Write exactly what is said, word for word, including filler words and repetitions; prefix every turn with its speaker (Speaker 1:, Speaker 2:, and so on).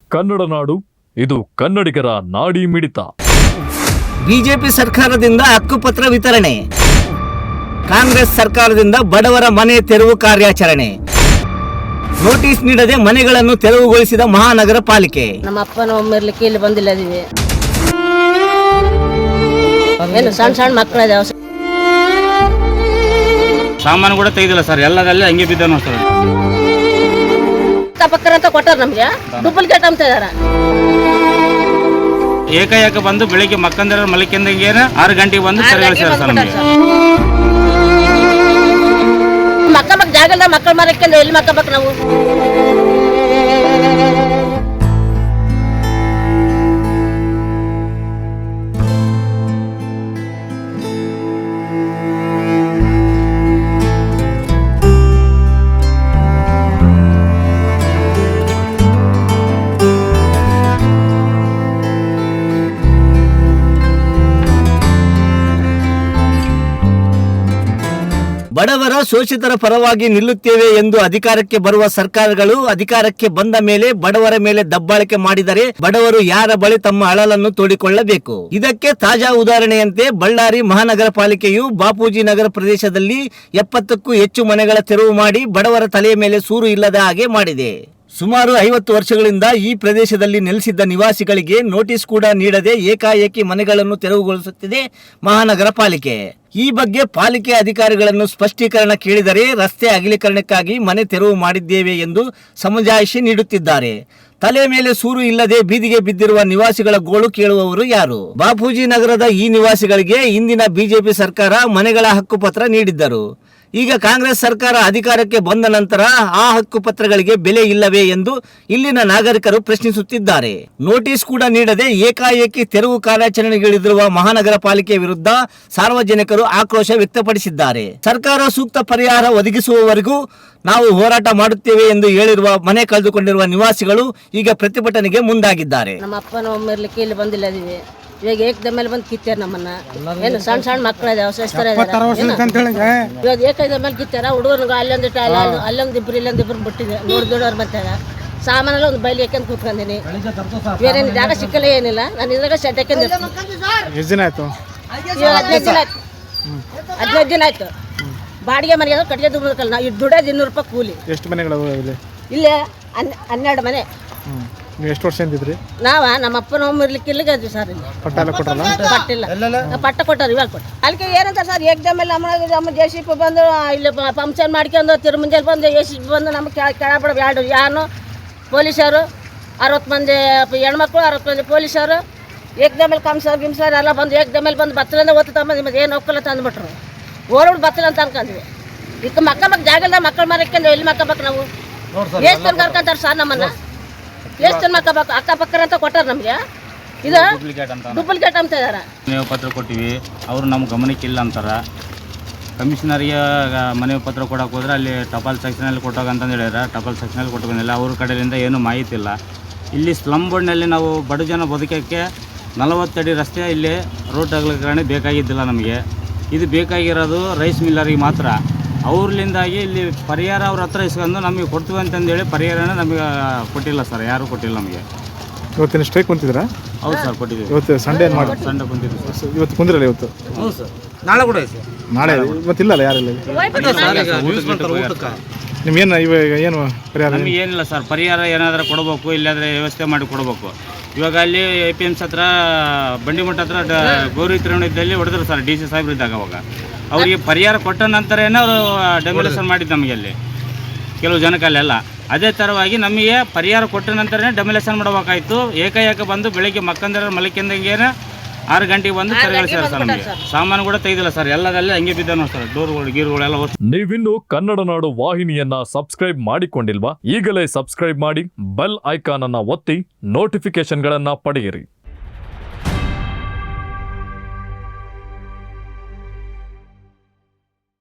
Speaker 1: ಕನ್ನಡ ನಾಡು, ಇದು ಕನ್ನಡಿಗರ ನಾಡಿ ಮಿಡಿತ.
Speaker 2: ಬಿಜೆಪಿ ಸರ್ಕಾರದಿಂದ ಹಕ್ಕುಪತ್ರ ವಿತರಣೆ, ಕಾಂಗ್ರೆಸ್ ಸರ್ಕಾರದಿಂದ ಬಡವರ ಮನೆ ತೆರವು ಕಾರ್ಯಾಚರಣೆ, ನೋಟಿಸ್ ನೀಡದೆ ಮನೆಗಳನ್ನು ತೆರವುಗೊಳಿಸಿದ ಮಹಾನಗರ ಪಾಲಿಕೆ.
Speaker 3: ನಮ್ಮ ಅಪ್ಪನ ಒಮ್ಮಿರ್ಲಿಕ್ಕೆ ಇಲ್ಲಿ ಬಂದಿಲ್ಲ ಇದೀವಿ. ಏನು ಸಣ್ಣ ಸಣ್ಣ ಮಕ್ಕಳ
Speaker 4: ಸಾಮಾನು ಕೂಡ ತೆಗೆದಿಲ್ಲ ಸರ್, ಎಲ್ಲದಲ್ಲೇ ಹಂಗೆ ಬಿದ್ದನು ಸರ್.
Speaker 3: ಪಕ್ಕರ ಅಂತ ಕೊಟ್ಟಾರ ನಮ್ಗೆ, ಡೂಪ್ಲಿಕೇಟ್ ಅಂತ ಇದಾರ.
Speaker 4: ಏಕಾಏಕ ಬಂದು ಬೆಳಿಗ್ಗೆ ಮಕ್ಕಂದ್ರ ಮಲಿಕೆಂದಂಗೆ ಆರು ಗಂಟೆಗೆ ಬಂದು ತೆರವುಗೊಳಿಸ್ಯಾರ ಸರ್. ನಮಗೆ
Speaker 3: ಮಕ್ಕ ಮಕ್ಕ ಜಾಗದ ಮಕ್ಕಳ ಮರಕ್ಕೆ ಎಲ್ಲಿ ಮಕ್ಕಬೇಕು ನಾವು?
Speaker 2: ಬಡವರ ಶೋಷಿತರ ಪರವಾಗಿ ನಿಲ್ಲುತ್ತೇವೆ ಎಂದು ಅಧಿಕಾರಕ್ಕೆ ಬರುವ ಸರ್ಕಾರಗಳು ಅಧಿಕಾರಕ್ಕೆ ಬಂದ ಮೇಲೆ ಬಡವರ ಮೇಲೆ ದಬ್ಬಾಳಿಕೆ ಮಾಡಿದರೆ ಬಡವರು ಯಾರ ಬಳಿ ತಮ್ಮ ಅಳಲನ್ನು ತೋಡಿಕೊಳ್ಳಬೇಕು. ಇದಕ್ಕೆ ತಾಜಾ ಉದಾಹರಣೆಯಂತೆ ಬಳ್ಳಾರಿ ಮಹಾನಗರ ಪಾಲಿಕೆಯು ಬಾಪೂಜಿ ನಗರ ಪ್ರದೇಶದಲ್ಲಿ ಎಪ್ಪತ್ತಕ್ಕೂ ಹೆಚ್ಚು ಮನೆಗಳ ತೆರವು ಮಾಡಿ ಬಡವರ ತಲೆಯ ಮೇಲೆ ಸೂರು ಇಲ್ಲದ ಹಾಗೆ ಮಾಡಿದೆ. ಸುಮಾರು ಐವತ್ತು ವರ್ಷಗಳಿಂದ ಈ ಪ್ರದೇಶದಲ್ಲಿ ನೆಲೆಸಿದ್ದ ನಿವಾಸಿಗಳಿಗೆ ನೋಟಿಸ್ ಕೂಡ ನೀಡದೆ ಏಕಾಏಕಿ ಮನೆಗಳನ್ನು ತೆರವುಗೊಳಿಸುತ್ತಿದೆ ಮಹಾನಗರ ಪಾಲಿಕೆ. ಈ ಬಗ್ಗೆ ಪಾಲಿಕೆ ಅಧಿಕಾರಿಗಳನ್ನು ಸ್ಪಷ್ಟೀಕರಣ ಕೇಳಿದರೆ ರಸ್ತೆ ಅಗಲೀಕರಣಕ್ಕಾಗಿ ಮನೆ ತೆರವು ಮಾಡಿದ್ದೇವೆ ಎಂದು ಸಮಜಾಯಿಷಿ ನೀಡುತ್ತಿದ್ದಾರೆ. ತಲೆ ಮೇಲೆ ಸೂರು ಇಲ್ಲದೆ ಬೀದಿಗೆ ಬಿದ್ದಿರುವ ನಿವಾಸಿಗಳ ಗೋಳು ಕೇಳುವವರು ಯಾರು? ಬಾಪೂಜಿ ನಗರದ ಈ ನಿವಾಸಿಗಳಿಗೆ ಇಂದಿನ ಬಿಜೆಪಿ ಸರ್ಕಾರ ಮನೆಗಳ ಹಕ್ಕುಪತ್ರ ನೀಡಿದ್ದರು. ಈಗ ಕಾಂಗ್ರೆಸ್ ಸರ್ಕಾರ ಅಧಿಕಾರಕ್ಕೆ ಬಂದ ನಂತರ ಆ ಹಕ್ಕುಪತ್ರಗಳಿಗೆ ಬೆಲೆ ಇಲ್ಲವೇ ಎಂದು ಇಲ್ಲಿನ ನಾಗರಿಕರು ಪ್ರಶ್ನಿಸುತ್ತಿದ್ದಾರೆ. ನೋಟಿಸ್ ಕೂಡ ನೀಡದೆ ಏಕಾಏಕಿ ತೆರವು ಕಾರ್ಯಾಚರಣೆಗಿಳಿದಿರುವ ಮಹಾನಗರ ಪಾಲಿಕೆ ವಿರುದ್ಧ ಸಾರ್ವಜನಿಕರು ಆಕ್ರೋಶ ವ್ಯಕ್ತಪಡಿಸಿದ್ದಾರೆ. ಸರ್ಕಾರ ಸೂಕ್ತ ಪರಿಹಾರ ಒದಗಿಸುವವರೆಗೂ ನಾವು ಹೋರಾಟ ಮಾಡುತ್ತೇವೆ ಎಂದು ಹೇಳಿರುವ ಮನೆ ಕಳೆದುಕೊಂಡಿರುವ ನಿವಾಸಿಗಳು ಈಗ ಪ್ರತಿಭಟನೆಗೆ ಮುಂದಾಗಿದ್ದಾರೆ.
Speaker 3: ನಮ್ಮ ಅಪ್ಪನ ಒಮ್ಮಿರ್ಲಿಕ್ಕೆ ಇಲ್ಲಿ ಬಂದಿಲ್ಲ ಇದೀವಿ. ಇವಾಗ ಏಕದ ಮೇಲೆ ಬಂದು ಕಿತ್ತಾರ ನಮ್ಮನ್ನ. ಏನು ಸಣ್ಣ ಸಣ್ಣ ಮಕ್ಕಳ ಇವಾಗ ಏಕದ ಮೇಲೆ ಕಿತ್ತಾರ. ಹುಡುಗರು ಅಲ್ಲೊಂದಿಟ್ಟು ಅಲ್ಲ ಅಲ್ಲೊಂದು ಇಬ್ರು ಇಲ್ಲೊಂದು ಇಬ್ರು ಬಿಟ್ಟಿದೆ. ನೋಡಿ ದೊಡ್ಡವ್ರು ಬರ್ತಾಗ ಸಾಮಾನೆಲ್ಲ ಒಂದು ಬೈಲಿ ಯಾಕಂತ ಕೂತ್ಕೊಂಡಿನಿ. ಬೇರೆ ಜಾಗ ಸಿಕ್ಕಲ್ಲ ಏನಿಲ್ಲ. ನಾನು ಇದ್ರಾಗ ಶೆಡ್ ಹಾಕಂತ ಹದಿನೈದು ದಿನ ಆಯ್ತು ಹದಿನೈದು ದಿನ ಆಯ್ತು. ಬಾಡಿಗೆ ಮನೆಗೆ ಕಟ್ಟಿಗೆ ದುಡ್ಕಲ್ಲ. ನಾವು ಇದು ದುಡಿಯೋದು ಇನ್ನೂರು ರೂಪಾಯಿ ಕೂಲಿ.
Speaker 5: ಎಷ್ಟು ಮನೆಗಳು
Speaker 3: ಇಲ್ಲೇ ಹನ್ನೆರಡು ಮನೆ.
Speaker 5: ನೀವು ಎಷ್ಟು ವರ್ಷ ಅಂತಿದ್ರಿ?
Speaker 3: ನಾವ ನಮ್ಮ ಅಪ್ಪನ ಒಮ್ಮೆ ಇರ್ಲಿಕ್ಕೆ ಇಲ್ಲಿಗೆ ಇದ್ವಿ ಸರ್. ಇಲ್ಲಿ
Speaker 5: ಪಟ್ಟ ಎಲ್ಲ ಕೊಟ್ಟಲ್ಲ?
Speaker 3: ಪಟ್ಟಿಲ್ಲ, ಪಟ್ಟ ಕೊಟ್ಟಾರ ಇವಾಗ ಕೊಟ್ಟ. ಅದಕ್ಕೆ ಏನಂತ ಸರ್ ಏಕ್ದಮ್ ಮೇಲೆ ನಮ್ಮ ನಮ್ಮ ಜೆ ಸಿ ಪಿ ಬಂದು ಇಲ್ಲಿ ಫಂಕ್ಷನ್ ಮಾಡ್ಕೊಂಡು ತಿರು ಮುಂಜಾನೆ ಬಂದು ಎ ಸಿ ಪಿ ಬಂದು ನಮ್ಗೆ ಕೆಳ ಕೆಳಬಿಡ ಎರಡು ಯಾರು ಪೊಲೀಸರು ಅರವತ್ತು ಮಂದಿ ಹೆಣ್ಮಕ್ಳು ಅರವತ್ತು ಮಂದಿ ಪೊಲೀಸರು ಏಕ್ದಮ್ ಮೇಲೆ ಕಂಸರ್ ಗಿಮ್ಸರ್ ಎಲ್ಲ ಬಂದು ಏಕ್ದಮ್ ಮೇಲೆ ಬಂದು ಬತ್ತಲಿಂದ ಓದ್ತು ತಮ್ಮ ನಿಮ್ಮದು ಏನು ಒಕ್ಕಲ್ಲ ತಂದುಬಿಟ್ರು. ಓಡೋಡು ಬತ್ತಲ ಅಂತ ಅನ್ಕೊಂಡ್ವಿ. ಈಗ ಮಕ್ಕ ಮಕ್ಕ ಜಾಗದ ಮಕ್ಕಳ ಮರಕ್ಕೆ ಎಲ್ಲಿ ಮಕ್ಕಬೇಕು ನಾವು? ಎಷ್ಟು ತನಕ ಕರ್ಕೊಂತಾರೆ ಸರ್ ನಮ್ಮನ್ನ? ಎಷ್ಟು ಜನ ಮಕ್ಕಬೇಕು? ಅಕ್ಕಪಕ್ಕರ ಅಂತ ಕೊಟ್ಟಾರ ನಮಗೆ. ಇದು ಡೂಪ್ಲಿಕೇಟ್ ಅಂತ ಇದಾರ.
Speaker 4: ಮನವಿ ಪತ್ರ ಕೊಟ್ಟಿವಿ, ಅವರು ನಮ್ಮ ಗಮನಕ್ಕೆ ಇಲ್ಲ ಅಂತಾರ. ಕಮಿಷನರಿಗೆ ಮನವಿ ಪತ್ರ ಕೊಡೋಕೆ ಹೋದ್ರೆ ಅಲ್ಲಿ ಟಪಾಲ್ ಸೆಕ್ಷನಲ್ಲಿ ಕೊಟ್ಟೋಗ ಅಂತಂದು ಹೇಳ್ಯಾರ. ಟಪಾಲ್ ಸೆಕ್ಷನಲ್ಲಿ ಕೊಟ್ಟು ಬಂದಿಲ್ಲ. ಅವ್ರ ಕಡೆಯಿಂದ ಏನೂ ಮಾಹಿತಿ ಇಲ್ಲ. ಇಲ್ಲಿ ಸ್ಲಮ್ ಬೋರ್ಡ್ನಲ್ಲಿ ನಾವು ಬಡ ಜನ ಬದುಕೋಕ್ಕೆ ನಲವತ್ತಡಿ ರಸ್ತೆ ಇಲ್ಲಿ ರೋಡ್ ಅಗಲೀಕರಣ ಬೇಕಾಗಿದ್ದಿಲ್ಲ ನಮಗೆ. ಇದು ಬೇಕಾಗಿರೋದು ರೈಸ್ ಮಿಲ್ಲರಿಗೆ ಮಾತ್ರ. ಅವ್ರಲಿಂದಾಗಿ ಇಲ್ಲಿ ಪರಿಹಾರ ಅವ್ರ ಹತ್ರ ಇಸ್ಕೊಂಡು ನಮಗೆ ಕೊಡ್ತೀವಿ ಅಂತಂದೇಳಿ ಪರಿಹಾರನ ನಮಗೆ ಕೊಟ್ಟಿಲ್ಲ ಸರ್, ಯಾರೂ ಕೊಟ್ಟಿಲ್ಲ ನಮಗೆ.
Speaker 5: ಇವತ್ತಿನ ಸ್ಟ್ರೈಕ್ ಕುಂತಿದ್ದೀರಾ?
Speaker 4: ಹೌದು ಸರ್, ಕೊಟ್ಟಿದ್ದೀವಿ.
Speaker 5: ಇವತ್ತು ಸಂಡೇ ಏನು ಮಾಡಿ
Speaker 4: ಸಂಡೆ ಕುಂತಿದ್ದೀವಿ ಸರ್.
Speaker 5: ಇವತ್ತು ಕುಂದಿರಲ್ಲ? ಇವತ್ತು
Speaker 4: ಹೌದು ಸರ್, ನಾಳೆ ಕೂಡ ಇದೆ.
Speaker 5: ನಾಳೆ ಇವತ್ತಿಲ್ಲಲ್ಲ ಯಾರಿಲ್ಲ? ನಿಮ್ಗೇನು ಇವಾಗ ಏನು ಪರಿಹಾರ?
Speaker 4: ನಮಗೆ ಏನಿಲ್ಲ ಸರ್, ಪರಿಹಾರ ಏನಾದರೂ ಕೊಡಬೇಕು, ಇಲ್ಲಾಂದರೆ ವ್ಯವಸ್ಥೆ ಮಾಡಿ ಕೊಡಬೇಕು. ಇವಾಗ ಅಲ್ಲಿ ಎ ಪಿ ಎಮ್ ಸಿ ಹತ್ರ ಬಂಡಿಮಠ ಹತ್ರ ಗೌರಿ ತಿರುವಣಿದ್ದಲ್ಲಿ ಹೊಡೆದ್ರು ಸರ್ ಡಿ ಸಿ ಸಾಹೇಬ್ರು ಇದ್ದಾಗ. ಅವಾಗ ಅವರಿಗೆ ಪರಿಹಾರ ಕೊಟ್ಟ ನಂತರನೇ ಅವರು ಡೆಮೊಲೇಷನ್ ಮಾಡಿದ್ದು ನಮಗೆ ಅಲ್ಲಿ ಕೆಲವು ಜನಕ್ಕಲ್ಲೆಲ್ಲ. ಅದೇ ಥರವಾಗಿ ನಮಗೆ ಪರಿಹಾರ ಕೊಟ್ಟ ನಂತರನೇ ಡೆಮೊಲೇಷನ್ ಮಾಡಬೇಕಾಯ್ತು. ಏಕಾಏಕ ಬಂದು ಬೆಳಿಗ್ಗೆ ಮಕ್ಕಂದ್ರ ಮಲಿಕೆಂದಂಗೇನೆ ಆರು ಗಂಟೆಗೆ ಬಂದು ತೆರವುಗೊಳಿಸ್ಯಾರ ಸರ್. ನಮಗೆ ಸಾಮಾನು ಕೂಡ ತೆಗೆದಿಲ್ಲ ಸರ್, ಎಲ್ಲದಲ್ಲೇ ಹಂಗೆ ಬಿದ್ದಾನು ಸರ್. ಡೋರ್ಗಳು ಗೀರುಗಳೆಲ್ಲ.
Speaker 1: ನೀವಿನ್ನು ಕನ್ನಡ ನಾಡು ವಾಹಿನಿಯನ್ನ ಸಬ್ಸ್ಕ್ರೈಬ್ ಮಾಡಿಕೊಂಡಿಲ್ವಾ? ಈಗಲೇ ಸಬ್ಸ್ಕ್ರೈಬ್ ಮಾಡಿ, ಬೆಲ್ ಐಕಾನ್ ಅನ್ನ ಒತ್ತಿ ನೋಟಿಫಿಕೇಶನ್ ಗಳನ್ನ ಪಡೆಯಿರಿ.